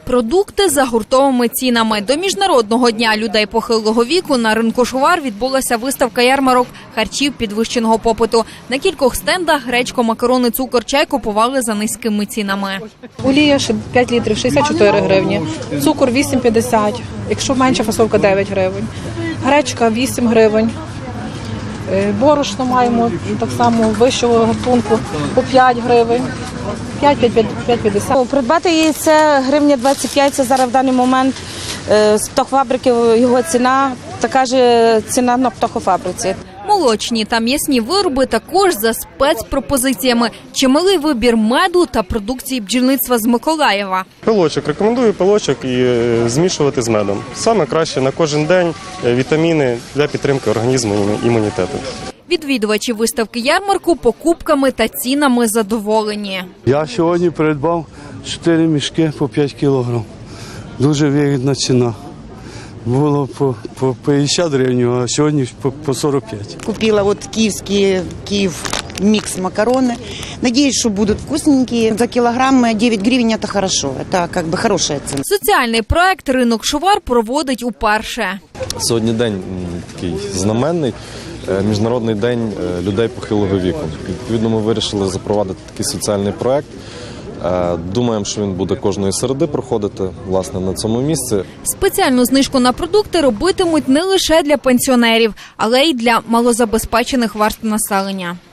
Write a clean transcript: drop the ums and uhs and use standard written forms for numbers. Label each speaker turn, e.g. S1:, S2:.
S1: Продукти за гуртовими цінами. До Міжнародного дня людей похилого віку на ринку Шувар відбулася виставка-ярмарок харчів підвищеного попиту. На кількох стендах гречку, макарони, цукор, чай купували за низькими цінами.
S2: Олія 5 літрів – 64 гривні, цукор – 8,50, якщо менша фасовка – 9 гривень, гречка – 8 гривень, борошно маємо так само вищого гатунку по 5 гривень. 5,50.
S3: Придбати яйце гривня 25, це зараз в даний момент з птахофабрики його ціна, така ж ціна на птахофабриці.
S1: Молочні та м'ясні вироби також за спецпропозиціями. Чималий вибір меду та продукції бджільництва з Миколаєва.
S4: Пилочок. Рекомендую пилочок і змішувати з медом. Саме краще на кожен день вітаміни для підтримки організму і імунітету.
S1: Відвідувачі виставки ярмарку покупками та цінами задоволені.
S5: Я сьогодні придбав 4 мішки по 5 кілограм. Дуже вигідна ціна. Було по 50 гривень, а сьогодні по 45.
S6: Купила Киев микс макароны. Надеюсь, что будут вкусненькие. За килограмм 9 гривен – это хорошо. Это как бы хорошая цена.
S1: Соціальний проект «Ринок Шувар» проводить уперше.
S7: Сьогодні день такий знаменний. Міжнародний день людей похилого віку. Відповідно, ми вирішили запровадити такий соціальний проект. Думаємо, що він буде кожної середи проходити, власне, на цьому місці.
S1: Спеціальну знижку на продукти робитимуть не лише для пенсіонерів, але й для малозабезпечених верств населення.